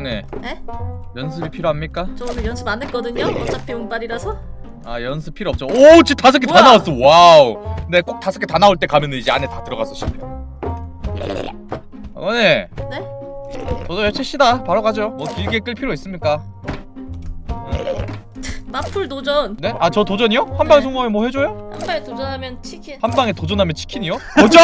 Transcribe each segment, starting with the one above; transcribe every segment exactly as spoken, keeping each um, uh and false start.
꼬꼬네. 에? 연습이 필요합니까? 저 오늘 연습 안 했거든요. 어차피 운빨이라서. 아 연습 필요 없죠. 오 지금 다섯 개 다 나왔어. 와우. 네 꼭 다섯 개 다 나올 때 가면은 이제 안에 다 들어가서 실패. 꼬꼬네. 네? 저도 외치시다. 바로 가죠. 뭐 길게 끌 필요 있습니까? 마풀 도전. 네? 아 저 도전이요? 한 방에 네. 성공하면 뭐 해줘요? 한 방에 도전하면 치킨. 한 방에 도전하면 치킨이요? 도전!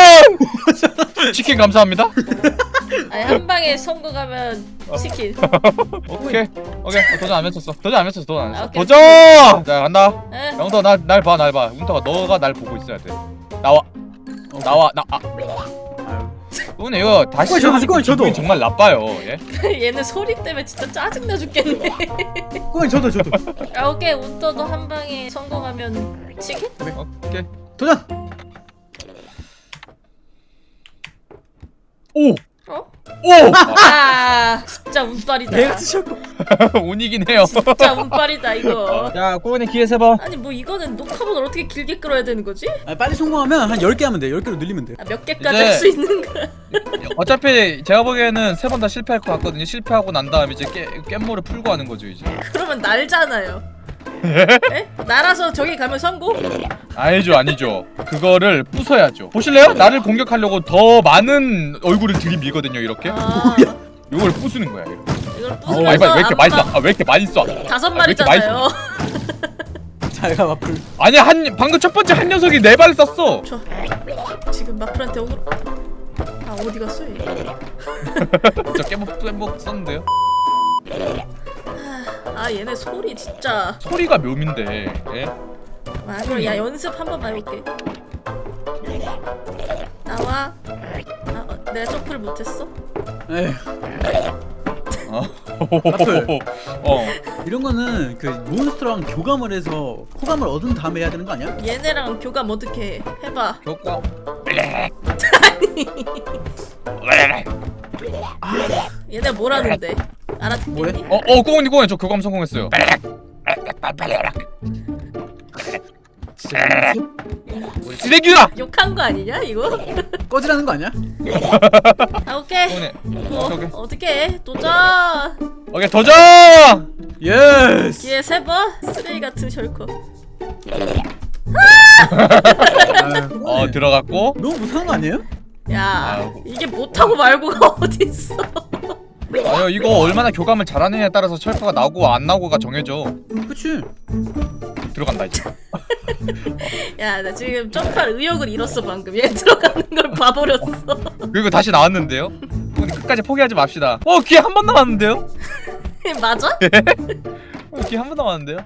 치킨 감사합니다. 아니 한 방에 성공하면 치킨. 오케이 오케이 어, 도전 안 외쳤어. 도전 안 외쳤어. 도전 안 아, 외쳤어. 오케이. 도전! 자 간다. 에? 영터 날날 봐 날 봐. 운터가 너가 날 보고 있어야 돼. 나와 나와 나 아. 오늘 이거 다시 꼬꼬이, 저도, 하니까 꼬꼬이, 저도. 기분이 정말 나빠요. 예? 얘는 소리 때문에 진짜 짜증나 죽겠네. 꼬꼬이 저도 저도. 아 오케이 운터도 한 방에 성공하면 치킨? 오케이. 도전. 오! 어? 오! 아 진짜 운빨이다. 내가 쓰셨고. 운이긴 해요. 진짜 운빨이다 이거. 야 꼬은이 기회 세 번. 아니 뭐 이거는 녹화본을 어떻게 길게 끌어야 되는 거지? 아, 빨리 성공하면 한 열 개 하면 돼. 열 개로 늘리면 돼. 아, 몇 개까지 이제- 할 수 있는 거야? 어차피 제가 보기에는 세 번 다 실패할 것 같거든요. 실패하고 난 다음에 이제 깨, 깻모를 풀고 하는 거죠 이제. 그러면 날잖아요. 에? 날아서 저기 가면 성공? 아니죠 아니죠. 그거를 부숴야죠. 보실래요? 나를 공격하려고 더 많은 얼굴을 들이밀거든요 이렇게. 아, 이걸 부수는 거야 이렇게. 이걸 아, 빨리 빨리 왜 이렇게 많이 쏴? 아, 왜 이렇게 많이 쏴? 다섯 아, 왜 이렇게 마리잖아요. 자가 마플. 아니 한 방금 첫 번째 한 녀석이 네 발 쐈어. 저 지금 마플한테 오늘 아 어디 갔어 얘? 저 깨목 깨목 썼는데요. 아 얘네 소리 진짜. 소리가 묘민데. 예? 아 그럼 야 연습 한 번만 해볼게. 나와. 아 어, 내가 점프를 못했어? 에휴. 어. 마플. 어. 이런 거는 그 몬스터랑 교감을 해서 호감을 얻은 다음에 해야 되는 거 아니야? 얘네랑 교감 어떻게 해? 해봐. 효과. 얘네 뭐라는데? 알아듣겠니? 뭐래? 어, 어, 꼬은이 꼬은이 저 교감 성공했어요. 진짜 쓰레기라. 욕한 거 아니냐 이거? 꺼지라는 거 아니야? 아 오케이. 꼬은이. 뭐 오케이. 어떻게 해? 도전. 오케이 도전. 예스. 기회 세 번. 쓰레기 같은 셜커. 어 들어갔고. 너무 못하는 거 아니에요? 야 아이고. 이게 못하고 말고가 어딨어? 아유 이거 얼마나 교감을 잘하느냐에 따라서 철퍼가 나오고 안 나오고가 정해져. 그치. 들어간다 이제. 야 나 지금 점프할 의욕을 잃었어 방금. 얘 들어가는 걸 봐버렸어. 그리고 다시 나왔는데요. 꼬은이 끝까지 포기하지 맙시다. 어 기회 한 번 남았는데요? 맞아? 어, 기회 한 번 남았는데요?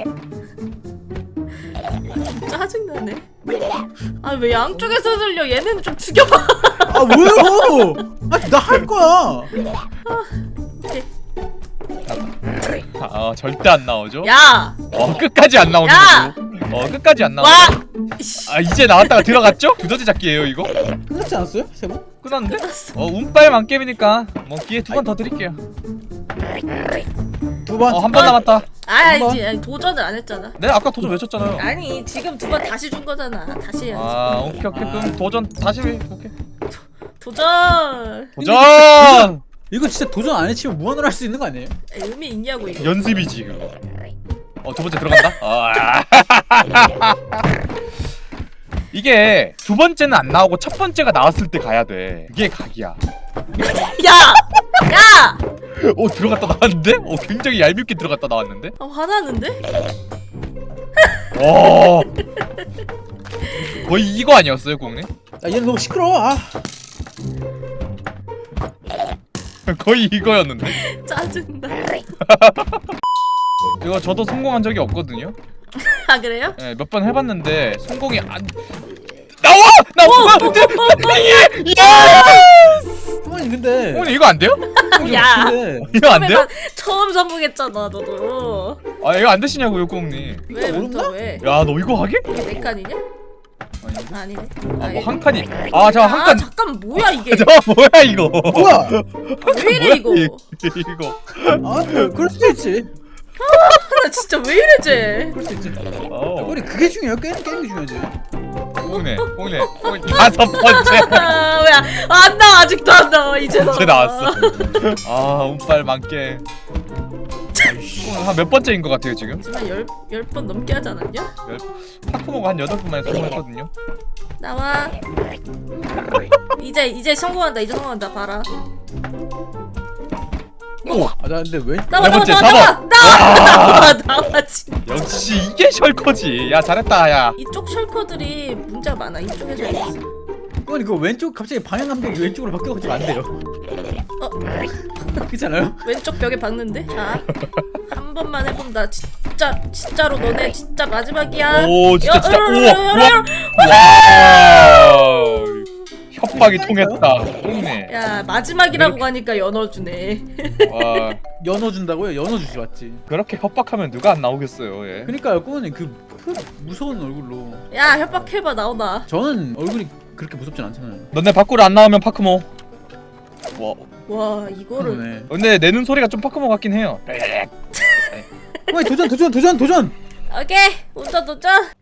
짜증나네. 아 왜 양쪽에서 들려? 얘네는 좀 죽여봐. 아 왜요? 아나 할 거야. 오케이. 아 절대 안 나오죠? 야! 어 끝까지 안 나오는 야! 거고. 어 끝까지 안 나오죠? 와! 아 이제 나왔다가 들어갔죠? 두더지 잡기예요 이거? 끝났지 않았어요? 세 번? 끝났는데? 끝났어. 어 운빨 만겜이니까 뭐 기회 두 번 더 드릴게요. 두 번. 어 한 번 남았다. 아 한번. 이제 도전을 안 했잖아. 네 아까 도전 외쳤잖아요. 아니 지금 두 번 다시 준 거잖아. 다시 해야지. 아 오케이 오케이 그럼 도전 다시 해. 오케이 도전! 도전! 이거 진짜 도전 안 해치면 무한으로 할 수 있는 거 아니에요? 의미 있냐고 이거. 연습이지 그거. 어 두 번째 들어간다? 아. 이게 두 번째는 안 나오고 첫 번째가 나왔을 때 가야 돼. 그게 각이야. 야! 야! 오 들어갔다 나왔는데? 오 굉장히 얄밉게 들어갔다 나왔는데? 아 화나는데? 와 거의 이거 아니었어요 공님? 아 얘는 너무 시끄러워. 아. 거의 이거였는데? 짜증나. 이거 저도 성공한 적이 없거든요? 아 그래요? 네, 몇 번 해봤는데 성공이 안 나와! 나와! 예! 부모님 근데. 공님 이거 안 돼요? 야! 근데 이거 안 돼요? 처음 성공했잖아 너도. 아 이거 안 되시냐고요 공님? 왜 모른다? 문터 왜? 야 너 이거 하게? 이게 내 칸이냐? 아닌데? 아니네. 아 이게- 뭐 한 칸이 아 저 한 아 칸 잠깐 뭐야 이게? 저 뭐야 이거 뭐야? 왜 이래 이거? 이- 이거 아 그, 그럴 수도 있지. 나 진짜 왜 이래 쟤? 그럴 수 있지. 어. 우리 그게 중요해. 게임 게임이 중요하지. 뽕네 뽕네 뽕 다섯 번째. 아, 왜안 나와? 아직도 안 나와. 이제 나와. 이제 나왔어. 아 운빨 많게. 한 몇 번째인 것 같아요 지금? 하지만 열열 번 넘게 하지 않았냐? 파쿠모가 한 여덟 번 만에 성공했거든요. 나와. 이제 이제 성공한다. 이제 성공한다. 봐라. 오! 아, 나 근데 왜? 나와 네 나와 번째, 나와 사 나와 나와 나와 나와 진짜. 역시 이게 셜커지. 야 잘했다 야. 이쪽 셜커들이 문제가 많아. 이쪽에서 있어. 아니 그 왼쪽 갑자기 방향 감각이 왼쪽으로 바뀌어가지고 안 돼요. 어 그렇잖아요? 왼쪽 벽에 박는데. 자 한 번만 해본다. 진짜 진짜로 너네 진짜 마지막이야. 오 진짜 여- 진짜 열어, 우와 열어, 열어, 열어. 우와 협박이 통했다. 뽕네. 야 마지막이라고 하니까 연어주네. 와 연어 준다고요? 연어 주지 맞지? 그렇게 협박하면 누가 안 나오겠어요. 예. 그러니까요, 꾸원님 그, 그 무서운 얼굴로. 야 협박해봐 나오나. 저는 얼굴이 그렇게 무섭진 않잖아요. 너네 밖으로 안 나오면 파크모. 와 와 이거를 네. 근데 내는 소리가 좀 파크모 같긴 해요. 어, 도전 도전 도전 도전. 오케이 도전 도전.